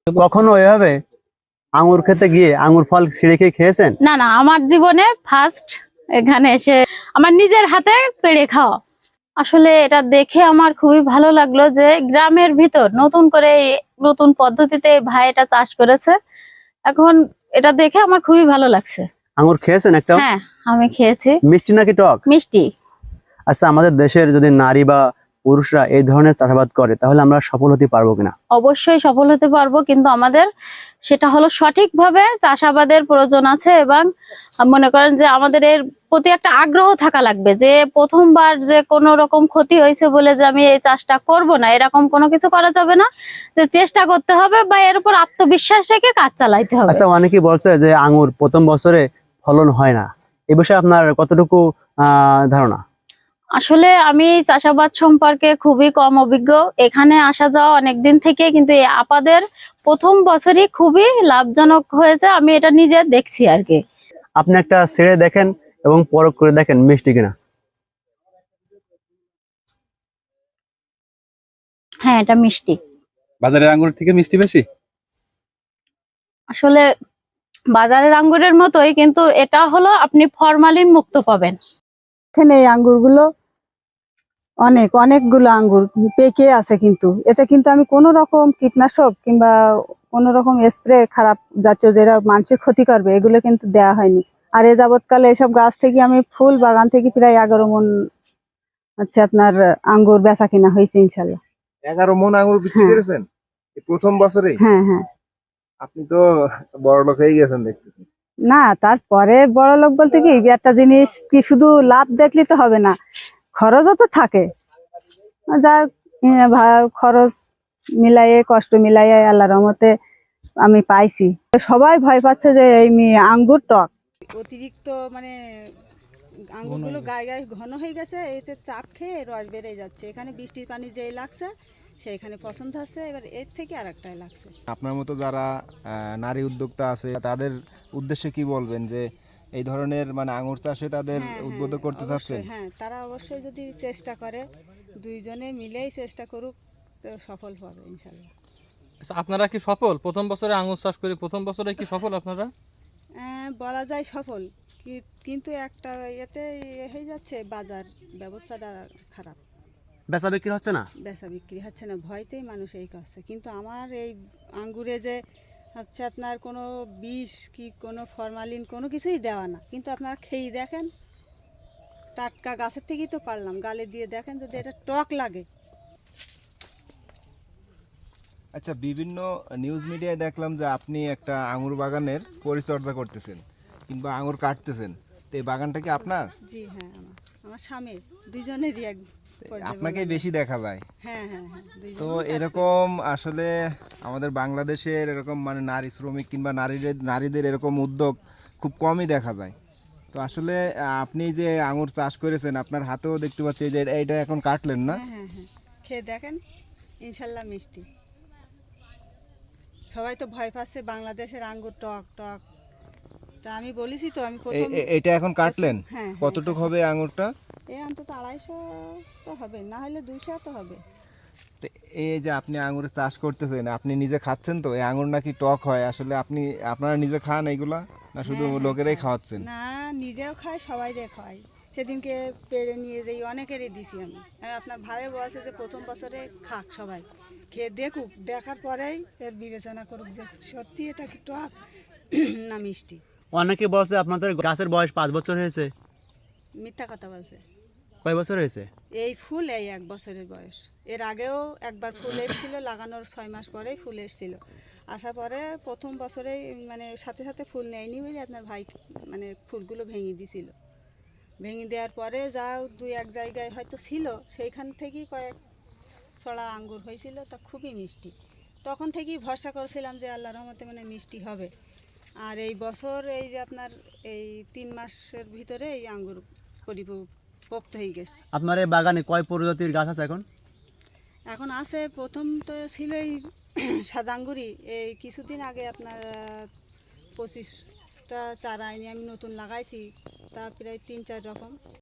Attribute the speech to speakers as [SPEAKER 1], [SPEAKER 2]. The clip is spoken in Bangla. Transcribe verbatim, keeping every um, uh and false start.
[SPEAKER 1] কখনো এভাবে আঙ্গুর খেতে গিয়ে আঙ্গুর ফল ছিঁড়ে খেয়ে খেয়েছেন?
[SPEAKER 2] না না, আমার জীবনে ফার্স্ট এখানে এসে আমার নিজের হাতে পেড়ে খাওয়া। আসলে এটা দেখে আমার খুবই ভালো লাগলো যে গ্রামের ভিতর নতুন করে এই নতুন পদ্ধতিতে এই ভাই এটা চাষ করেছে। এখন এটা দেখে আমার খুবই ভালো লাগছে।
[SPEAKER 1] আঙ্গুর খেয়েছেন একটা?
[SPEAKER 2] হ্যাঁ, আমি খেয়েছি।
[SPEAKER 1] মিষ্টি নাকি টক?
[SPEAKER 2] মিষ্টি।
[SPEAKER 1] আচ্ছা, আমাদের দেশের যদি নারী বা পুরুষরা এই ধরনের চাষাবাদ করে তাহলে আমরা সফল হতে পারবো কিনা?
[SPEAKER 2] অবশ্যই সফল হতে পারবো, কিন্তু আমাদের সেটা হলো সঠিকভাবে চাষাবাদের প্রয়োজন আছে এবং মনে করেন যে আমাদের এর প্রতি একটা আগ্রহ থাকা লাগবে যে প্রথমবার যে কোনো রকম ক্ষতি হয়েছে বলে যে আমি এই চাষটা করব না, এরকম কোনো কিছু করা যাবে না। যে চেষ্টা করতে হবে বা এর উপর আত্মবিশ্বাস রেখে কাজ চালাইতে হবে।
[SPEAKER 1] আচ্ছা, অনেকেই বলছে যে আঙ্গুর প্রথম বছরে ফলন হয় না, এ বিষয়ে আপনার কতটুকু আহ ধারণা?
[SPEAKER 2] আসলে আমি চাষাবাদ সম্পর্কে খুবই কম অভিজ্ঞ, এখানে আসা যাওয়া অনেকদিন থেকে, কিন্তু এই আপাদের প্রথম বছরই খুবই লাভজনক হয়েছে, আমি এটা নিজে দেখছি আর কি।
[SPEAKER 1] আপনি একটা ছেড়ে দেখেন এবং পরখ করে দেখেন মিষ্টি কিনা।
[SPEAKER 2] হ্যাঁ, এটা মিষ্টি।
[SPEAKER 3] বাজারের আঙ্গুর থেকে মিষ্টি বেশি?
[SPEAKER 2] আসলে বাজারের আঙ্গুরের মতোই, কিন্তু এটা হলো আপনি ফরমালিন মুক্ত পাবেন।
[SPEAKER 4] এখানে এই আঙ্গুরগুলো অনেক অনেকগুলো আঙ্গুর পেকে আছে, কিন্তু এতে কিন্তু আমি কোনো রকম কীটনাশক কিংবা কোনো রকম স্প্রে খারাপ জাতীয় যেটা মানুষের ক্ষতি করবে এগুলো কিন্তু দেওয়া হয়নি। আর এ যাবৎকালে এসব গাছ থেকে আমি ফুল বাগান থেকে প্রায় এগারো মন হচ্ছে আপনার আঙ্গুর বেচা কিনা হয়েছে ইনশাল্লাহ।
[SPEAKER 5] এগারো মন আঙ্গুর বিক্রি
[SPEAKER 4] হ্যাঁ।
[SPEAKER 5] করেছেন এই প্রথম বছরে?
[SPEAKER 4] হ্যাঁ হ্যাঁ।
[SPEAKER 5] আপনি তো বড় লোক হয়ে গেছেন দেখতেছি।
[SPEAKER 4] না, তারপরে বড় লোক বলতে কি একটা জিনিস কি শুধু লাভ দেখলে তো হবে না, খরচও তো থাকে। যার খরচ মিলাইয়ে কষ্ট মিলাইয়ে আল্লাহর রহমতে আমি পাইছি। সবাই ভয় পাচ্ছে যে এই আঙ্গুর টক, অতিরিক্ত মানে আঙ্গুরগুলো গায়ে গায়ে ঘন হয়ে গেছে, এতে চাপ খেয়ে রস বেড়ে যাচ্ছে। এখানে বৃষ্টির পানি যেই লাগছে সেইখানে পছন্দ হচ্ছে, এবার এর থেকে আর একটাই লাগছে।
[SPEAKER 5] আপনার মতো যারা আহ, নারী উদ্যোক্তা আছে তাদের উদ্দেশ্যে কি বলবেন যে এই ধরনের মানে আঙ্গুর চাষে তাদের
[SPEAKER 4] হ্যাঁ,
[SPEAKER 5] উদ্বুদ্ধ
[SPEAKER 4] হ্যাঁ,
[SPEAKER 5] করতে চাচ্ছেন?
[SPEAKER 4] অবশ্যই, হ্যাঁ, তারা অবশ্যই যদি চেষ্টা করে, দুইজনে মিলেই চেষ্টা করুক, তো সফল হবে ইনশাল্লাহ।
[SPEAKER 3] আচ্ছা, আপনারা কি সফল প্রথম বছরে আঙ্গুর চাষ করে? প্রথম বছরে কি সফল আপনারা?
[SPEAKER 4] আহ, বলা যায় সফল, কি- কিন্তু একটা এতে ইয়ে হয়ে যাচ্ছে, বাজার ব্যবস্থাটা খারাপ,
[SPEAKER 1] বেচা বিক্রি হচ্ছে না।
[SPEAKER 4] বেচা বিক্রি হচ্ছে না, ভয়তেই মানুষ এই করছে। কিন্তু আমার এই আঙ্গুরে যে হচ্ছে আপনার কোনো বিষ কি কোনো ফরমালিন কোনো কিছুই দেওয়া না, কিন্তু আপনারা খেয়ে দেখেন, টাটকা গাছের থেকেই তো পারলাম, গালে দিয়ে দেখেন যদি এটা টক লাগে।
[SPEAKER 5] আচ্ছা, বিভিন্ন নিউজ মিডিয়ায় দেখলাম যে আপনি একটা আঙ্গুর বাগানের পরিচর্যা করতেছেন কিংবা আঙ্গুর কাটতেছেন, তো এই বাগানটা কি আপনার?
[SPEAKER 4] জি হ্যাঁ, আমার আমার স্বামী, দুজনেরই এক পর্যায়ে
[SPEAKER 5] আপনাকে
[SPEAKER 4] বাগান।
[SPEAKER 5] বেশি দেখা যায়।
[SPEAKER 4] হ্যাঁ হ্যাঁ হ্যাঁ, দুইজনেই
[SPEAKER 5] তো
[SPEAKER 4] কাজ করি।
[SPEAKER 5] এরকম আসলে আমাদের বাংলাদেশের এরকম মানে নারী শ্রমিক কিংবা নারীদের নারীদের এরকম উদ্যোগ খুব কমই দেখা যায়। তো আসলে আহ, আপনি যে আঙুর চাষ করেছেন আপনার হাতেও দেখতে পাচ্ছি যে এটা- এইটা এখন কাটলেন না?
[SPEAKER 4] হ্যাঁ হ্যাঁ হ্যাঁ, খেয়ে দেখেন, ইনশাল্লাহ মিষ্টি। সবাই তো ভয় পাচ্ছে বাংলাদেশের আঙ্গুর টক টক, তা আমি বলেছি তো আমি
[SPEAKER 5] এ-
[SPEAKER 4] প্রথম।
[SPEAKER 5] এ- এটা এখন কাটলেন?
[SPEAKER 4] হ্যাঁ হ্যাঁ,
[SPEAKER 5] কতটুকু হবে আঙুরটা?
[SPEAKER 4] এই অন্তত আড়াইশো তো হবে, না হলে দুশো তো হবে।
[SPEAKER 5] তো এই যে আপনি আঙুরের চাষ করতেছেন, আপনি নিজে খাচ্ছেন তো এই আঙুর নাকি টক হয়, আসলে আপনি আপনারা নিজে খান এইগুলা না শুধু
[SPEAKER 4] হ্যাঁ, হ্যাঁ,
[SPEAKER 5] লোকেরাই
[SPEAKER 4] খাই।
[SPEAKER 5] খাওয়াচ্ছেন?
[SPEAKER 4] না, নিজেও খাই, সবাই রে খাই। সেদিনকে পেড়ে নিয়ে যাই, অনেকেরই দিছি আমি। আর আপনার ভাই বলছে যে প্রথম বছরে খাক সবাই, খেয়ে দেখুক, দেখার পরেই এর বিবেচনা করুক যে সত্যি এটা কি টক না মিষ্টি।
[SPEAKER 1] অনেকে বলছে আপনাদের গাছের বয়স পাঁচ বছর হয়েছে।
[SPEAKER 4] মিথ্যা কথা বলছে।
[SPEAKER 1] কয় বছর হয়েছে?
[SPEAKER 4] এই ফুল এই এক বছরের বয়স, এর আগেও একবার ফুল এসেছিল, লাগানোর ছয় মাস পরেই ফুল এসেছিল। আসার পরে প্রথম বছরেই মানে সাথে সাথে ফুল নেয়নি বলে আপনার ভাই মানে ফুলগুলো ভেঙে দিছিল। ভেঙে দেওয়ার পরে যা দুই এক জায়গায় হয়তো ছিল, সেইখান থেকেই কয়েক ছড়া আঙ্গুর হয়েছিল, তা খুবই মিষ্টি। তখন থেকেই ভরসা করেছিলাম যে আল্লাহর রহমতে মানে মিষ্টি হবে। আর এই বছর এই যে আপনার এই তিন মাসের ভিতরে এই আঙ্গুর পরিপক্ত হয়ে গেছে।
[SPEAKER 1] আপনার এই বাগানে কয় প্রজাতির গাছ আছে এখন?
[SPEAKER 4] এখন আছে, প্রথম তো ছিল এই সাদা আঙ্গুরই, এই কিছুদিন আগে আপনার আহ, পঁচিশটা চারা এনে আমি নতুন লাগাইছি, তা প্রায় তিন চার রকম।